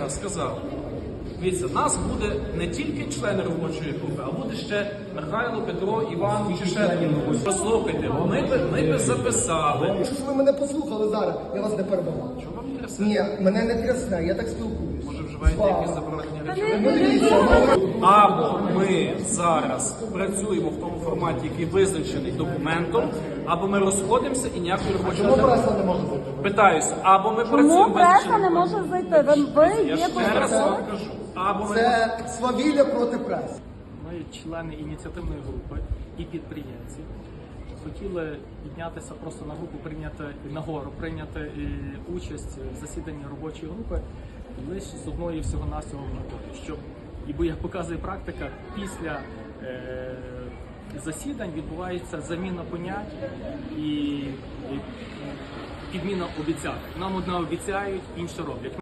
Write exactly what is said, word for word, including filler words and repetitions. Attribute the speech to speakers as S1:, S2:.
S1: раз сказав, дивіться, нас буде не тільки члени робочої групи, а буде ще Михайло, Петро, Іван і ще хтось. Послухайте, ми би, ми би записали.
S2: Якщо ж ви мене послухали зараз, я вас не перебивав.
S1: Чого вам трясе?
S2: Ні, мене не трясне, я так спілкуюсь.
S1: Може, вживаєте
S2: Слава.
S1: якісь заборонені речі?
S2: Ну дивіться, ну,
S1: Або ми зараз працюємо в тому форматі, який визначений документом, або ми розходимося і ніякої робочої
S2: чому
S1: групи.
S2: преса не може бути?
S1: Питаюся, або ми
S3: Чому
S1: працюємо
S3: преса
S1: визначеним
S3: не може
S1: документом.
S3: зайти? Ви, ви
S1: Я
S3: є
S1: ще раз
S3: посередник?
S1: вам кажу. Або ми
S2: Це свавілля проти преси.
S4: Ми, члени ініціативної групи і підприємці, хотіли піднятися просто на групу, прийняти нагору, прийняти е, участь в засіданні робочої групи лише з одної всього-навсього метою, щоб, і бо як показує практика, після е, засідань відбувається заміна понять і, і підміна обіцянок. Нам одне обіцяють, інше роблять.